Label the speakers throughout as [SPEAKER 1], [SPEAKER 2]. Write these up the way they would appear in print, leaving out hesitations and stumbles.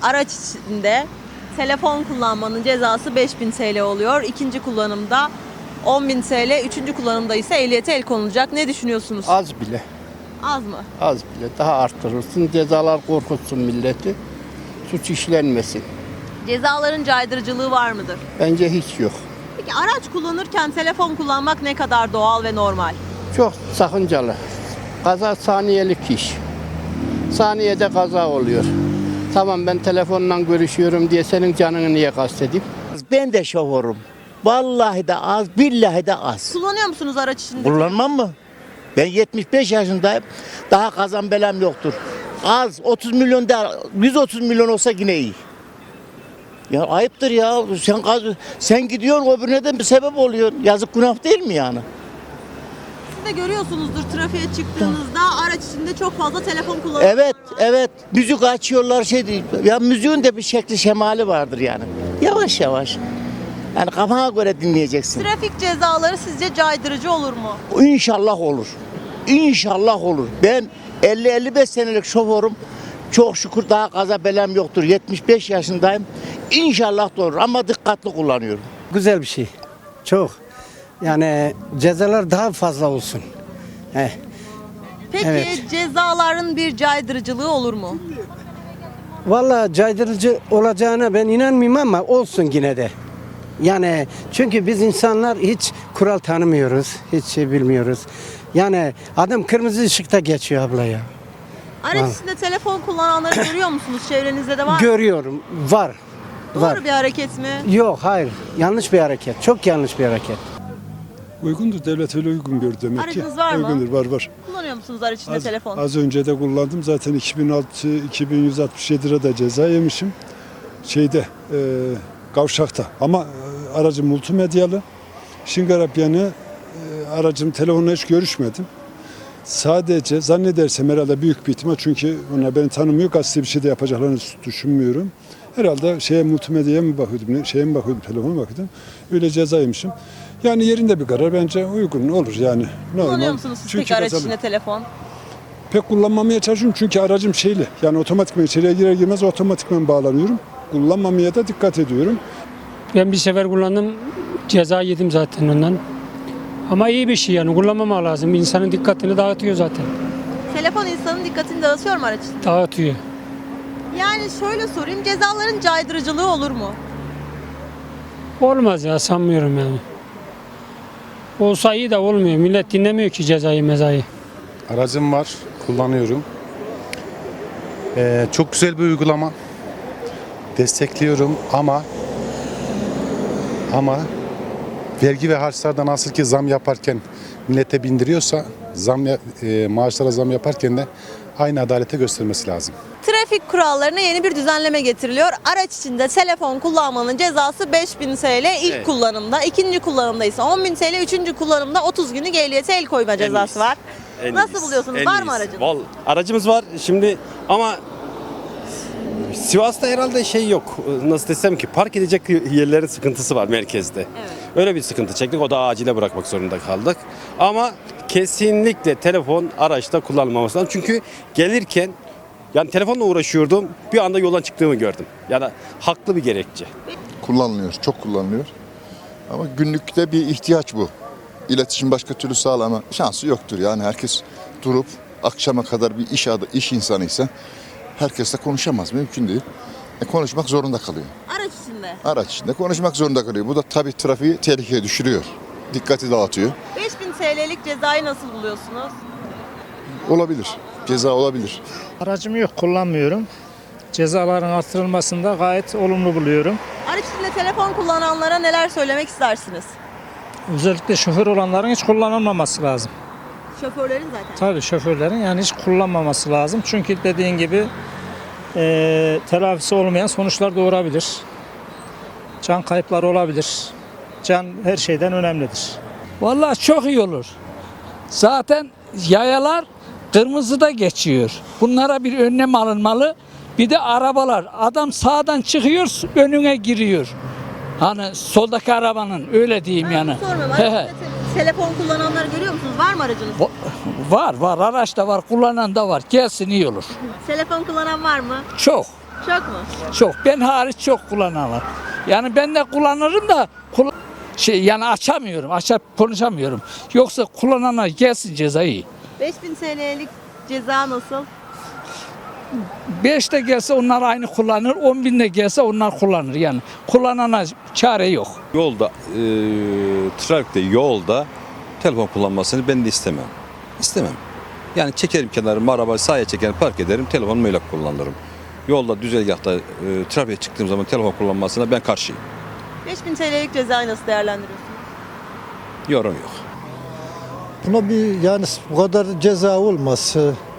[SPEAKER 1] araç içinde telefon kullanmanın cezası 5.000 TL oluyor. İkinci kullanımda 10.000 TL, üçüncü kullanımda ise ehliyete el konulacak. Ne düşünüyorsunuz?
[SPEAKER 2] Az bile.
[SPEAKER 1] Az mı?
[SPEAKER 2] Az bile. Daha arttırırsın. Cezalar korkutsun milleti. Suç işlenmesin.
[SPEAKER 1] Cezaların caydırıcılığı var mıdır?
[SPEAKER 2] Bence hiç yok.
[SPEAKER 1] Peki araç kullanırken telefon kullanmak ne kadar doğal ve normal?
[SPEAKER 2] Çok sakıncalı. Kaza saniyelik iş. Saniyede kaza oluyor. Tamam ben telefonla görüşüyorum diye senin canını niye kastedeyim?
[SPEAKER 3] Ben de şoförüm. Vallahi de az, billahi de az.
[SPEAKER 1] Kullanıyor musunuz araç içinde?
[SPEAKER 3] Kullanmam mı? Ben 75 yaşındayım. Daha kazan belam yoktur. Az, 30 milyon değil, 130 milyon olsa yine iyi. Ya ayıptır ya. Sen gidiyorsun öbürüne de bir sebep oluyor. Yazık günah değil mi yani?
[SPEAKER 1] Siz de görüyorsunuzdur trafiğe çıktığınızda araç içinde çok fazla telefon kullanıyorlar.
[SPEAKER 3] Evet, evet. Müzik açıyorlar şey değil. Ya müziğin de bir şekli şemali vardır yani. Yavaş yavaş. Yani kafana göre dinleyeceksin.
[SPEAKER 1] Trafik cezaları sizce caydırıcı olur mu?
[SPEAKER 3] İnşallah olur. İnşallah olur. Ben 50-55 senelik şoförüm. Çok şükür daha kaza belem yoktur. 75 yaşındayım. İnşallah da olur ama dikkatli kullanıyorum.
[SPEAKER 4] Güzel bir şey. Çok. Yani cezalar daha fazla olsun.
[SPEAKER 1] Peki
[SPEAKER 4] Evet.
[SPEAKER 1] cezaların bir caydırıcılığı olur mu?
[SPEAKER 4] Vallahi caydırıcı olacağına ben inanmıyorum ama olsun yine de. Yani çünkü biz insanlar hiç kural tanımıyoruz. Hiç şey bilmiyoruz. Yani adam kırmızı ışıkta geçiyor abla ya.
[SPEAKER 1] Araç içinde telefon kullananları görüyor musunuz? Çevrenizde de var mı?
[SPEAKER 4] Görüyorum. Var.
[SPEAKER 1] Doğru
[SPEAKER 4] Var.
[SPEAKER 1] bir hareket mi?
[SPEAKER 4] Yok hayır. Yanlış bir hareket. Çok yanlış bir hareket.
[SPEAKER 5] Uygundur. Devlet öyle uygun gördü demek ki.
[SPEAKER 1] Aracınız var mı?
[SPEAKER 5] Uygundur. Var.
[SPEAKER 1] Kullanıyor musunuz araç içinde telefon?
[SPEAKER 5] Az önce de kullandım. Zaten 2167 lira da ceza yemişim. Kavşakta. Ama aracım multimedyalı. Şingarap yanı aracım telefonla hiç görüşmedim. Sadece zannedersem herhalde büyük bir ihtimal çünkü onlar beni tanımıyor. Gazete bir şey de yapacaklarını düşünmüyorum. Herhalde multimedyaya mı bakıyordum, telefona bakıyordum. Öyle ceza yemişim. Yani yerinde bir karar bence uygun olur yani.
[SPEAKER 1] Kullanıyor
[SPEAKER 5] Normal.
[SPEAKER 1] musunuz siz
[SPEAKER 5] Çünkü
[SPEAKER 1] peki araç
[SPEAKER 5] tabii
[SPEAKER 1] içinde telefon?
[SPEAKER 5] pek kullanmamaya çalışıyorum çünkü aracım şeyli. Yani otomatikman içeriye girer girmez otomatikman bağlanıyorum. Kullanmamaya da dikkat ediyorum.
[SPEAKER 6] Ben bir sefer kullandım, ceza yedim zaten ondan. Ama iyi bir şey yani kullanmamak lazım. İnsanın dikkatini dağıtıyor zaten.
[SPEAKER 1] Telefon insanın dikkatini dağıtıyor mu araç içinde?
[SPEAKER 6] Dağıtıyor.
[SPEAKER 1] Yani şöyle sorayım, cezaların caydırıcılığı olur mu?
[SPEAKER 6] Olmaz ya sanmıyorum yani. Olsa iyi de olmuyor. Millet dinlemiyor ki cezayı mezayı.
[SPEAKER 7] Aracım var, kullanıyorum. Çok güzel bir uygulama. Destekliyorum ama vergi ve harçlardan nasıl ki zam yaparken millete bindiriyorsa maaşlara zam yaparken de aynı adalete göstermesi lazım.
[SPEAKER 1] Trafik kurallarına yeni bir düzenleme getiriliyor. Araç içinde telefon kullanmanın cezası 5.000 TL ilk kullanımda, ikinci kullanımda ise 10.000 TL, üçüncü kullanımda 30 günlük ehliyete el koyma cezası var. Nasıl buluyorsunuz? Var mı aracınız?
[SPEAKER 8] Aracımız var şimdi ama Sivas'ta herhalde şey yok. Nasıl desem ki park edecek yerlerin sıkıntısı var merkezde.
[SPEAKER 1] Evet.
[SPEAKER 8] Öyle bir sıkıntı çektik. O da acile bırakmak zorunda kaldık. Ama kesinlikle telefon araçta kullanılmaması lazım. Çünkü gelirken yani telefonla uğraşıyordum. Bir anda yoldan çıktığımı gördüm. Yani haklı bir gerekçe.
[SPEAKER 9] Kullanılıyor, çok kullanılıyor. Ama günlükte bir ihtiyaç bu. İletişim başka türlü sağlama şansı yoktur. Yani herkes durup akşama kadar bir iş insanıysa herkesle konuşamaz. Mümkün değil. Konuşmak zorunda kalıyor.
[SPEAKER 1] Araç içinde.
[SPEAKER 9] Araç içinde konuşmak zorunda kalıyor. Bu da tabii trafiği tehlikeye düşürüyor. Dikkati dağıtıyor.
[SPEAKER 1] 5.000 TL'lik cezayı nasıl buluyorsunuz?
[SPEAKER 9] Olabilir. Ceza olabilir.
[SPEAKER 10] Aracım yok, kullanmıyorum. Cezaların artırılmasını da gayet olumlu buluyorum.
[SPEAKER 1] Araç içinde telefon kullananlara neler söylemek istersiniz?
[SPEAKER 10] Özellikle şoför olanların hiç kullanılmaması lazım.
[SPEAKER 1] Şoförlerin zaten.
[SPEAKER 10] Tabii şoförlerin yani hiç kullanmaması lazım. Çünkü dediğin gibi telafisi olmayan sonuçlar doğurabilir. Can kayıpları olabilir. Can her şeyden önemlidir.
[SPEAKER 11] Vallahi çok iyi olur. Zaten yayalar kırmızıda geçiyor. Bunlara bir önlem alınmalı. Bir de arabalar. Adam sağdan çıkıyor, önüne giriyor. Hani soldaki arabanın öyle diyeyim yani.
[SPEAKER 1] Sormuyorum. Araç içinde telefon kullananları görüyor musunuz? Var mı aracınız?
[SPEAKER 11] Var. Araç da var. Kullanan da var. Gelsin iyi olur.
[SPEAKER 1] Telefon kullanan var mı?
[SPEAKER 11] Çok.
[SPEAKER 1] Çok mu?
[SPEAKER 11] Çok. Ben hariç çok kullananlar. Yani ben de kullanırım da yani açamıyorum. Açıp konuşamıyorum. Yoksa kullanana gelsin cezayı.
[SPEAKER 1] 5000 TL'lik ceza nasıl?
[SPEAKER 11] 5 de gelse onlar aynı kullanır. 10.000 de gelse onlar kullanır. Yani kullanana çare yok.
[SPEAKER 12] Yolda, trafikte, yolda telefon kullanmasını ben de istemem. İstemem. Yani çekerim kenarıma, arabayı sağa çekerim, park ederim, telefonumu öyle kullanırım. Yolda, düzelgahta, trafiğe çıktığım zaman telefon kullanmasına ben karşıyım.
[SPEAKER 1] 5000 TL'lik cezayı nasıl değerlendiriyorsunuz?
[SPEAKER 12] Yorum yok.
[SPEAKER 13] Buna bir yani bu kadar ceza olmaz.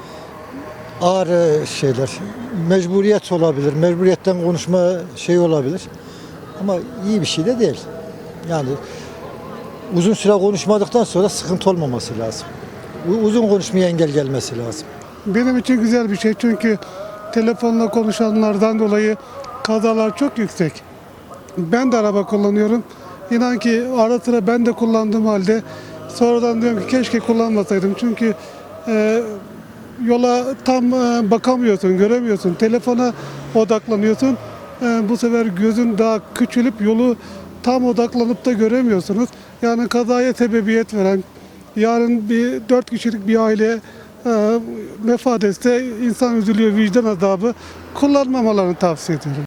[SPEAKER 13] Ağır şeyler. Mecburiyet olabilir. Mecburiyetten konuşma şey olabilir. Ama iyi bir şey de değil. Yani uzun süre konuşmadıktan sonra sıkıntı olmaması lazım. Uzun konuşmaya engel gelmesi lazım.
[SPEAKER 5] Benim için güzel bir şey çünkü telefonla konuşanlardan dolayı kazalar çok yüksek. Ben de araba kullanıyorum. İnan ki ara sıra ben de kullandığım halde sonradan diyorum ki keşke kullanmasaydım. Çünkü yola tam bakamıyorsun, göremiyorsun. Telefona odaklanıyorsun. Bu sefer gözün daha küçülüp yolu tam odaklanıp da göremiyorsunuz. Yani kazaya sebebiyet veren, yarın 4 kişilik bir aile vefat etse insan üzülüyor, vicdan azabı. Kullanmamalarını tavsiye ediyorum.